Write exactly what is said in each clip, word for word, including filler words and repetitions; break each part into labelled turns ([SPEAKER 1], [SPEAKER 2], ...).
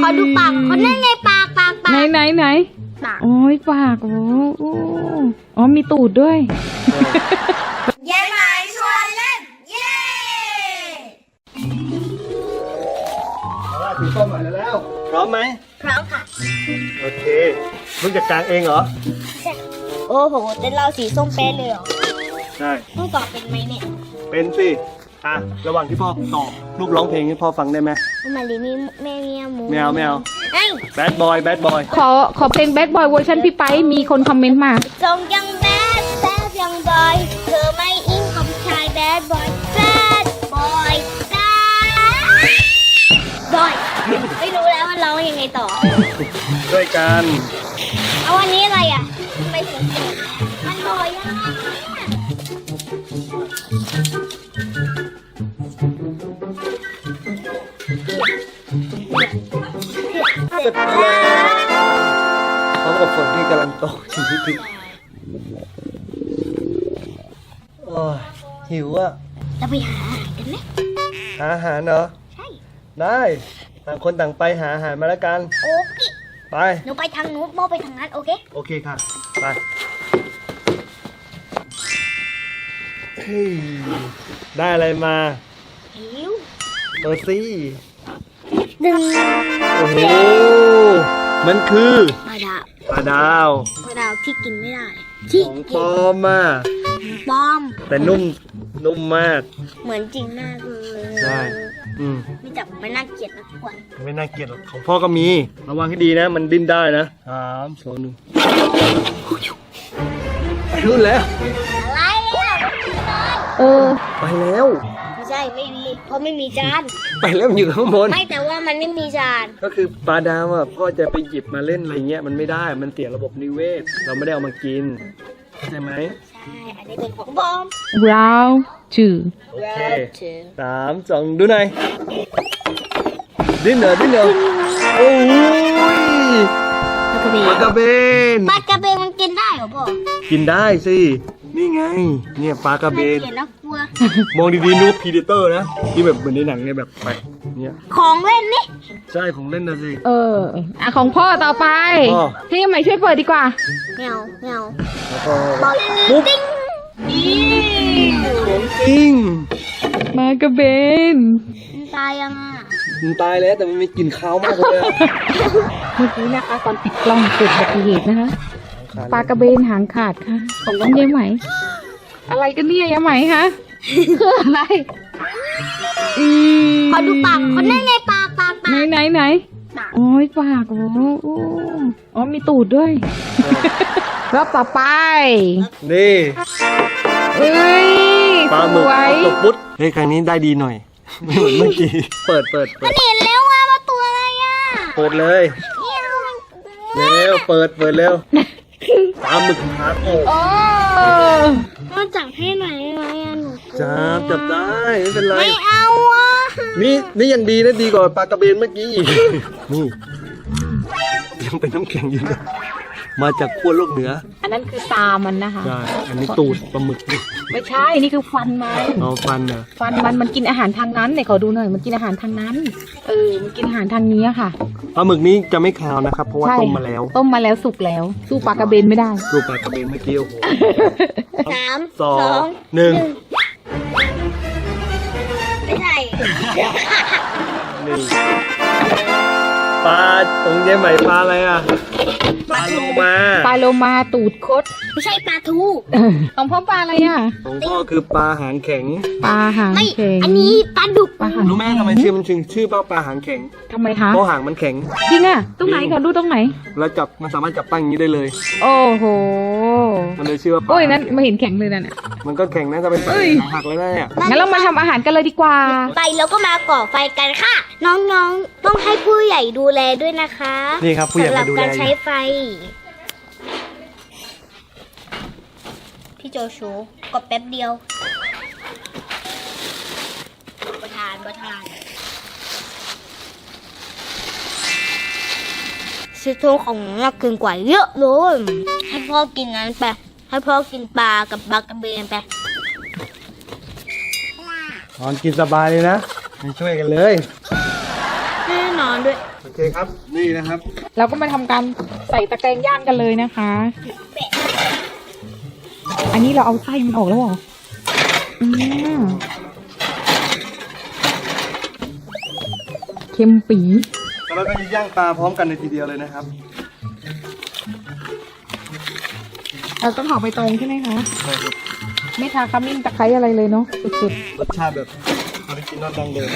[SPEAKER 1] อดูปากคนนั่นไงปากปากปาก
[SPEAKER 2] ไหนไหนไหน
[SPEAKER 1] ปาก
[SPEAKER 2] โอ้ยปากโอ้โอ้อ๋อมีตูดด้วย
[SPEAKER 1] ยายหมายชวนเล่นเย้
[SPEAKER 3] เอาล่ะถือส้มหน่อยแล้วพร้อมไหม
[SPEAKER 1] พร้อมค่ะ
[SPEAKER 3] โอเคมึงจัดการเองเหรอ
[SPEAKER 1] โอ้โหแต่เราสีส้มเป๊ะเลยเหรอ
[SPEAKER 3] ใช่
[SPEAKER 1] ต้องตอบเป็นไหมเนี่ย
[SPEAKER 3] เป็นสิอ่ะระหว่างที่พ่อตอบลูกร้องเพลงให้พ่อฟังได้ไหม
[SPEAKER 1] มาลีมีแม่เมียหมู
[SPEAKER 3] ไม่เอาไม่เอา
[SPEAKER 1] ไอ้
[SPEAKER 3] แบดบอยแบดบอย
[SPEAKER 2] ขอขอเพลงแบดบอยเวอร์ชันพี่ไปมีคนคอมเมนต์มา
[SPEAKER 1] ทรงยังแบดแบดยังบอยเธอไม่อิงกับชายแบดบอยแบดบอยแบดบอยไม่รู้แล้วว่าร้องยังไงต่อ
[SPEAKER 3] ด้วยกัน
[SPEAKER 1] เอาวันนี้อะไรอ่ะทำไมถึงเกิดมันบอยยังไง
[SPEAKER 3] เสร็จแล้วพร้อมกับฝนที่กำลังตกชิบๆโอ้ยหิวอ่ะ
[SPEAKER 1] เราไปหาอาหารกันไหม
[SPEAKER 3] หาอาหารเหรอใช่ได้ต่างคนต่างไปหาอาหารมาแล้วกัน
[SPEAKER 1] โอเค
[SPEAKER 3] ไป
[SPEAKER 1] หนูไปทางนู้นโมไปทางนั้นโอเค
[SPEAKER 3] โอเคค่ะไปเฮ้ยได้อะไรมา
[SPEAKER 1] หิว
[SPEAKER 3] ตัวซี่
[SPEAKER 1] ดึง
[SPEAKER 3] โอ้โหมันคือ
[SPEAKER 1] ปลาดาว
[SPEAKER 3] ปลาดาว
[SPEAKER 1] ปลาดาวที่กินไม่ได้ที่
[SPEAKER 3] ของปลอมอ่ะ
[SPEAKER 1] ปลอม
[SPEAKER 3] แต่นุ่มนุ่มมาก
[SPEAKER 1] เหมือนจริงมากเลย
[SPEAKER 3] ใช่อืม
[SPEAKER 1] ไม่จับไม่น่าเกลียดนะทุกคน
[SPEAKER 3] ไม่น่าเกลียดหรอกของพ่อก็มีระวังให้ดีนะมันดิ้นได้นะสามสองหนึ่งไปรุ่นแล้ว
[SPEAKER 1] อะไรอ่ะ
[SPEAKER 2] เออ
[SPEAKER 3] ไปแล้ว
[SPEAKER 1] ไม่ใช่ไม่มีเพราะไม่มีจาน
[SPEAKER 3] ไปแล้วมันอยู่ข้างบน
[SPEAKER 1] ไม่แต่ว่ามันไม่มีจาน
[SPEAKER 3] ก็คือปลาดาวอ่ะพ่อจะไปหยิบมาเล่นอะไรเงี้ยมันไม่ได้มันเสียระบบนิเวศเราไม่ได้เอามากินใช่ไหม
[SPEAKER 1] ใช่อันนี้เป็นของบอม
[SPEAKER 2] round two
[SPEAKER 3] โอเคสามสองดูหน่อยดิ้นเหรอดิ้นเหรอโอ้ยปลากระเบน
[SPEAKER 1] ปลากระเบนมันกินได้เหรอพ่อ
[SPEAKER 3] กินได้สินี่ไงเนี่ยปลากระเบน
[SPEAKER 1] น่ากลัว
[SPEAKER 3] มองดีๆนูพีเดเตอร์นะที่แบบเหมือนในหนังเนี่ยแบบไปเนี่ย
[SPEAKER 1] ของเล่นนี่
[SPEAKER 3] ใช่ของเล่นนะสิ
[SPEAKER 2] เอออ่ะของพ่อต่อไปพี่ใหม่ช่วยเปิดดีกว่า
[SPEAKER 1] เงาเงา
[SPEAKER 3] แล้วก็ปุ๊บของจริง
[SPEAKER 2] ปลากระเบน
[SPEAKER 1] มันตายยังอ่ะ
[SPEAKER 3] มันตายแล้วแต่มันไม่กินข้าวมากเลย
[SPEAKER 2] เมื่อกี้นะคะตอนติดกล้องเกิดอุบัติเหตุนะคะปลากระเบนหางขาดค่ะของน้องยายไหมอะไรกันเนี่ยยายไหมคะคืออะไร
[SPEAKER 1] ขอดูปากคนนั่นไงปากปากปาก
[SPEAKER 2] ไหนไหนไหนโอ้ยปากโอ้อ๋อมีตูดด้วยรอบต่อไป
[SPEAKER 3] นี่
[SPEAKER 2] เอ้ย
[SPEAKER 3] ปลาหมึกตกปุ๊ดเฮ้ยครั้งนี้ได้ดีหน่อยไม่เหมือนเมื่อกี้เปิดเปิดเปิด
[SPEAKER 1] เห็นแล้วว่าว่าตัวอะไรอ่ะ
[SPEAKER 3] เปิดเลยเร็วเปิดเปิดเร็วปลาหมึกขาโอ้
[SPEAKER 1] มาจับให้หน่อยไหมอ่ะหนู
[SPEAKER 3] จับจับได้ไม่เป็นไร
[SPEAKER 1] ไม่เอาอ่ะ
[SPEAKER 3] นี่นี่ยังดีนะดีกว่าปลากระเบนเมื่อกี้อีกนี่ยังเป็นน้ำแข็งอยู่นะมาจากขั้วโลกเหนือ
[SPEAKER 2] อันนั้นคือตามันนะคะ
[SPEAKER 3] ใช่อันนี้ตูดปลาหมึก
[SPEAKER 2] ไม่ใช่นี่คือฟันมัน
[SPEAKER 3] เอาฟันนะ
[SPEAKER 2] ฟันมันมันกินอาหารทางนั้นเนี่ยขอดูหน่อยมันกินอาหารทางนั้นเออมันกินอาหารทางนี้ค่ะ
[SPEAKER 3] ปลาหมึกนี้จะไม่คาวนะครับเพราะว่าต้มมาแล้ว
[SPEAKER 2] ต้มมาแล้วสุกแล้วสู้ปลากระเบนไม่ได้
[SPEAKER 3] สู้ปลากระเบนเมื่อกี้โอ้โห
[SPEAKER 1] สาม
[SPEAKER 3] สองหนึ่ง
[SPEAKER 1] ไม่ใช่
[SPEAKER 3] นี่ปลาตรงเย้ใหม่ปลาอะไรอ่ะปลาโลมา
[SPEAKER 2] ปลาโลมาตูดคด
[SPEAKER 1] ไม่ใช่ปลาทู
[SPEAKER 2] ของพ่อปลาอะไรอ่ะ
[SPEAKER 3] ของพ่อคือปลาหางแข็ง
[SPEAKER 2] ปลาหางแข็ง
[SPEAKER 1] อันนี้ปลาดุก
[SPEAKER 3] รู้ไหมทำไมชื่อมันถึงชื่อปลาปลาหางแข็ง
[SPEAKER 2] ทำไมคะ
[SPEAKER 3] เพราะหางมันแข็ง
[SPEAKER 2] จริงอ่ะตรงไหนก่อนดูตรงไหน
[SPEAKER 3] แล้วจับมันสามารถจับตั้งอย่างนี้ได้เลย
[SPEAKER 2] โอ้โห
[SPEAKER 3] มันเลยชื่อว่า
[SPEAKER 2] โอ้ยนั่นไม่เห็นแข็งเลยนั่นอ่ะ
[SPEAKER 3] มันก็แข็งนะจะเป็นปลาหักเลยนะเนี่ย
[SPEAKER 2] งั้นเรามาทำอาหารกันเลยดีกว่า
[SPEAKER 1] ไปแล้วก็มาก่อไฟกันค่ะน้องๆต้องให้ผู้ใหญ่ดูแลด้วยนะคะ
[SPEAKER 3] นี่ครับผู้ใหญ่มาดูแล
[SPEAKER 1] การใช้ไฟพี่โจชูกดแป๊บเดียวประทานประทานซีโร่ของน่ากินกว่าเยอะเลยให้พ่อกินนั้นไปให้พ่อกินปลากับปลากระเบนไป
[SPEAKER 3] นอนกินสบายเลยนะมาช่วยกันเลย
[SPEAKER 1] แม่หนูนอนด้วย
[SPEAKER 3] โอเคครับ นี่นะครับ
[SPEAKER 2] เราก็มาทำการใส่ตะแกรงย่างกันเลยนะคะ อันนี้เราเอาไส้มันออกแล้วเหรออืมเค็มปี๋
[SPEAKER 3] แล้วเราก็จะย่างปลาพร้อมกันในทีเดียวเลยนะครับ
[SPEAKER 2] เราต้องห่อใบตองใช่ไหมคะ ไม่ทาขมิ้นตะไคร้อะไรเลยเนาะสุด
[SPEAKER 3] รสชาติแบบออริจินอลดังเดิม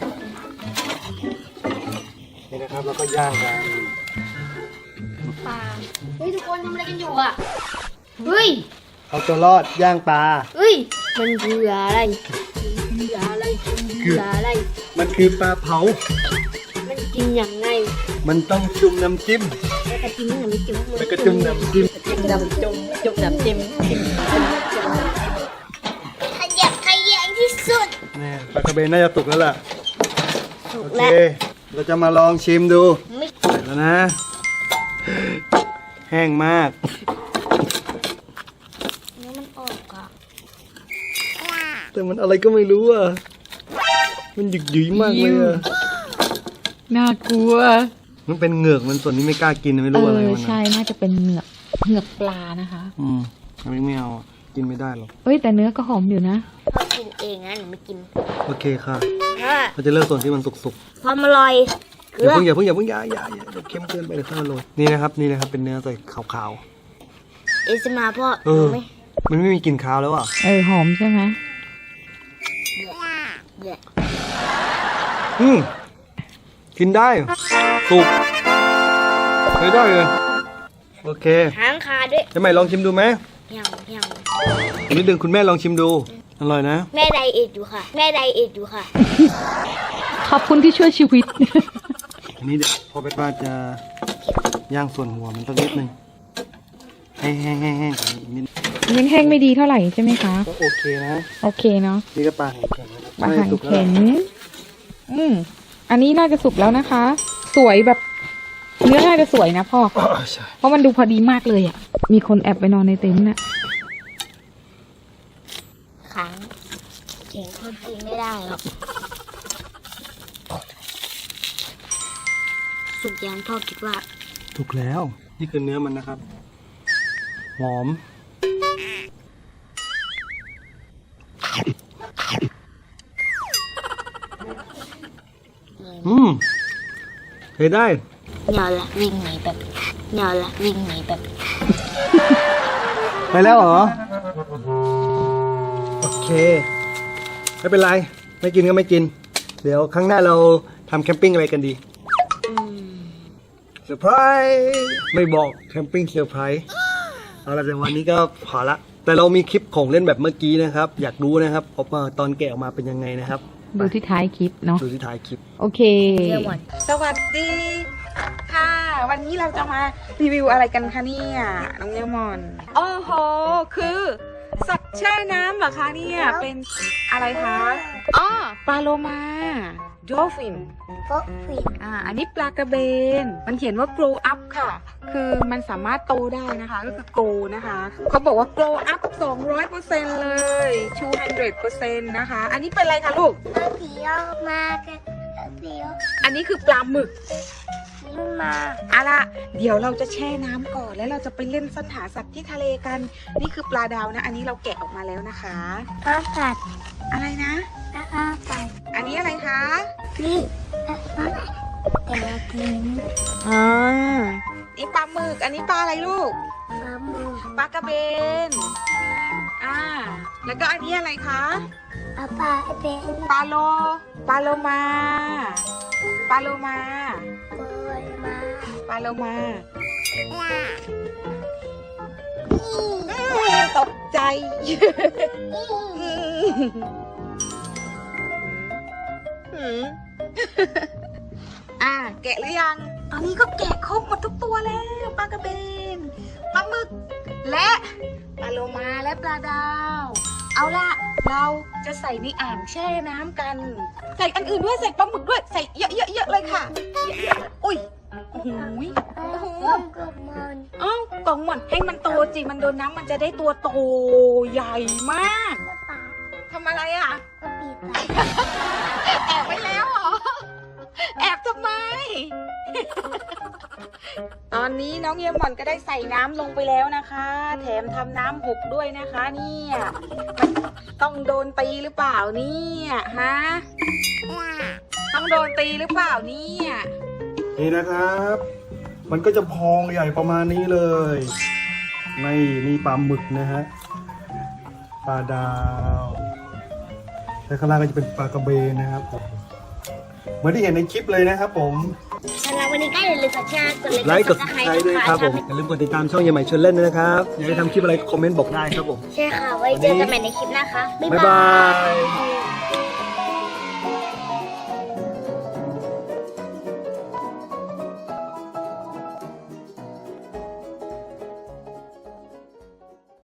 [SPEAKER 3] นี่นะครับแล้วก็ย่างกัน
[SPEAKER 1] ปลาเฮ้ยทุกคนทำอะไรกันอยู่อ่ะเฮ้ย
[SPEAKER 3] เอาตัวรอดย่างปลา
[SPEAKER 1] เฮ้ยมันคืออะไรคืออะไรคืออะไร
[SPEAKER 3] มันคือปลาเผา
[SPEAKER 1] มันกินอย่างไร
[SPEAKER 3] มันต้องจุ่มน้ำจิ้ม
[SPEAKER 1] แล้วก็กินอย่างนี้จิ้ม
[SPEAKER 3] แล้วก็จุ่มน้ำจิ้ม
[SPEAKER 1] จิ้มน้ำจุ่มจุ่มน้ำจิ้มขยับขยันที่สุด
[SPEAKER 3] นี่ปลากระเบนน่าจะสุกแล้วล่ะ
[SPEAKER 1] ถูก
[SPEAKER 3] โอเค
[SPEAKER 1] แล้ว
[SPEAKER 3] เราจะมาลองชิมดู
[SPEAKER 1] ไม่
[SPEAKER 3] ใส่แล้วนะ แห้งมาก
[SPEAKER 1] เนื้อมันออกอ่ะ
[SPEAKER 3] แต่มันอะไรก็ไม่รู้อ่ะ มันหยึกหยุยมากเลยอ่ะ
[SPEAKER 2] ๆน่ากลัว
[SPEAKER 3] มันเป็นเหงือกมันส่วนนี้ไม่กล้ากินไม่
[SPEAKER 2] เอ
[SPEAKER 3] รู้อะไร
[SPEAKER 2] อ
[SPEAKER 3] มัน
[SPEAKER 2] ใช่
[SPEAKER 3] อะ
[SPEAKER 2] น่าจะเป็นเหงือกเหงือกปลานะคะ
[SPEAKER 3] อืมอันนี้ไม่เอาอะกินไม่ได้หรอก
[SPEAKER 2] เอ้ยแต่เนื้อก็หอมอยู่นะ
[SPEAKER 1] พ่อกินเองนะหนูไม่กิน
[SPEAKER 3] โอเคค่ะ
[SPEAKER 1] ค่ะ
[SPEAKER 3] เราจะเลือกส่วนที่มันสุก
[SPEAKER 1] ความอร่อย
[SPEAKER 3] ๆ
[SPEAKER 1] เก
[SPEAKER 3] อ
[SPEAKER 1] ลื
[SPEAKER 3] ย่า
[SPEAKER 1] อ
[SPEAKER 3] เพิ่งอย่าเพิ่งอย่าเพิ่งอย่าอย่าอย่าเดี๋ยวเค็มเกินไปเดี๋ยวค่อยมาโรยนี่นะครับนี่นะครับเป็นเนื้อใส่ขาว
[SPEAKER 1] เอสมาพ่อ
[SPEAKER 3] ๆเออ
[SPEAKER 1] ไหม
[SPEAKER 3] มันไม่มีกลิ่นคาวแล้วอ่ะ
[SPEAKER 2] เออหอมใช่ไหม
[SPEAKER 1] เดี๋ยว
[SPEAKER 3] อืมกินได้สุกไม่ได้เลยโอเค
[SPEAKER 1] หางคาด้วย
[SPEAKER 3] จะใหม่ลองชิมดูไหม
[SPEAKER 1] ยังยัง
[SPEAKER 3] นิดนึงคุณแม่ลองชิมดูอร่อยนะ
[SPEAKER 1] แม่ไดเอทอยู่ค่ะ แม่ไดเอทอยู่ค่ะ
[SPEAKER 2] ขอบคุณที่ช่วยชีวิต
[SPEAKER 3] อันนี้เดี๋ยวพอเป็นว่าจะย่างส่วนหัวมันสักนิดนึงให้แห้งๆๆก่อนนิด
[SPEAKER 2] ยังแห้งไม่ดีเท่าไหร่ใช่ไหมคะ
[SPEAKER 3] ก็โอเคนะ
[SPEAKER 2] โอเคเนาะ
[SPEAKER 3] นี่ก็ปลาแข็งๆนะ
[SPEAKER 2] ปลาหาง
[SPEAKER 3] สุกแล้ว
[SPEAKER 2] แข็งอืมอันนี้น่าจะสุกแล้วนะคะ สวยแบบ เนื้อน่าจะสวยนะพ่อ
[SPEAKER 3] อ๋อใช่
[SPEAKER 2] เพราะมันดูพอดีมากเลยอ่ะ มีคนแอบไปนอนในเต็นท์น่ะ
[SPEAKER 1] ขังเข่งคนกินไม่ได้หรอกสุดยังพ่อคิดว่า
[SPEAKER 3] ถูกแล้ว นี่คือเนื้อมันนะครับ หอม อืมเคยได้
[SPEAKER 1] เหนียวละวิ่งหนีแบบเหนียวละวิ่งหนีแบบ
[SPEAKER 3] ไปแล้วเหรอ โอเค ไม่เป็นไร ไม่กินก็ไม่กิน เดี๋ยวครั้งหน้าเราทำแคมปิ้งอะไรกันดี
[SPEAKER 1] อืม
[SPEAKER 3] เซอร์ไพรส์ไม่บอกแคมปิ้งเซอร์ไพรส์เอาละแต่วันนี้ก็พอละ แต่เรามีคลิปของเล่นแบบเมื่อกี้นะครับ อยากรู้นะครับว่าตอนแกะออกมาเป็นยังไงนะครับ
[SPEAKER 2] ดูที่ท้ายคลิปเนาะ
[SPEAKER 3] ดูที่ท้ายคลิป
[SPEAKER 2] โอเค
[SPEAKER 1] เรื่องหมด
[SPEAKER 2] สวัสดี ค่ะ วันนี้เราจะมารีวิวอะไรกันคะเนี่ยน้องเยมอนโอ้โห คือ สัตว์แช่น้ำเหรอคะเนี่ย เป็นอะไรคะอ๋อปลาโลมาดอลฟิน
[SPEAKER 1] โป๊ะฟิน
[SPEAKER 2] อ่า อันนี้ปลากระเบน มันเขียนว่า grow up ค่ะ คือมันสามารถโตได้นะคะ ก็คือ grow นะคะ เขาบอกว่า grow up สองร้อยเปอร์เซ็นต์ เลย สองร้อยเปอร์เซ็นต์ นะคะ อันนี้เป็นอะไรคะลูก
[SPEAKER 1] ผีออกมากันผี
[SPEAKER 2] อันนี้คือปลาหมึก
[SPEAKER 1] นี่มา
[SPEAKER 2] เอาล่ะ เดี๋ยวเราจะแช่น้ำก่อน แล้วเราจะไปเล่นสัตว์หาสัตว์ที่ทะเลกัน นี่คือปลาดาวนะ อันนี้เราแกะออกมาแล้วนะคะ
[SPEAKER 1] อาปัด
[SPEAKER 2] อะไรนะ
[SPEAKER 1] อาปัด
[SPEAKER 2] อันนี้อะไรคะ
[SPEAKER 1] นี่อาปัดแต่ละกิน
[SPEAKER 2] อ่านี่ปลาหมึก อันนี้ปลาอะไรลูก
[SPEAKER 1] ปลาหมึก
[SPEAKER 2] ปลากระเบน อ่า แล้วก็อันนี้อะไรคะ
[SPEAKER 1] อาปลาเป็น
[SPEAKER 2] ปลาโล ปลาโลมา ปลาโลมา
[SPEAKER 1] โกยมา
[SPEAKER 2] ปลาโลมาตกใจ อ่า แกะหรือยัง ตอนนี้ก็แกะครบหมดทุกตัวแล้วปลากระเบน ปลาหมึก และปลาโลมาและปลาดาว เอาล่ะ เราจะใส่ในอ่างแช่น้ำกัน ใส่อันอื่นด้วย ใส่ปลาหมึกด้วย ใส่เยอะๆๆเลยค่ะเยอะๆอุ้ย โอ้โหยโอ้โห
[SPEAKER 1] กับมัน
[SPEAKER 2] เอ้ากล่องหมดให้มันโตจริงมันโดนน้ำมันจะได้ตัวโตใหญ่มาก
[SPEAKER 1] ปลา
[SPEAKER 2] ทำอะไรอ่ะ
[SPEAKER 1] ก็ปีปลา
[SPEAKER 2] แอบไปแล้วเหรอ แอบทำไมตอนนี้น้องเยมหมอนก็ได้ใส่น้ำลงไปแล้วนะคะ แถมทำน้ำหกด้วยนะคะเนี่ยมันต้องโดนตีหรือเปล่าเนี่ยฮะต้องโดนตีหรือเปล่าเนี่ย
[SPEAKER 3] นี่นะครับ มันก็จะพองใหญ่ประมาณนี้เลยนี่นี่ปลาหมึกนะฮะปลาดาวและข้างล่างก็จะเป็นปลากระเบนนะครับผมเหมือนที่เห็นในคลิปเลยนะครับผม
[SPEAKER 1] สำหรับวันนี้ก็อย่าลืมกดแชร์กด
[SPEAKER 3] ไลค์กดซับสไครต์ด้วยครับผมอย่าลืมกดติดตามช่องยังใหม่ชวนเล่นด้วยนะครับอยากให้ทำคลิปอะไรคอมเมนต์บอกได้ครับผม
[SPEAKER 1] ใช่ค่ะ ไว้เจอกันใหม่ในคลิปนะคะ บ๊าย
[SPEAKER 3] บ๊าย
[SPEAKER 1] บา
[SPEAKER 3] บาย ย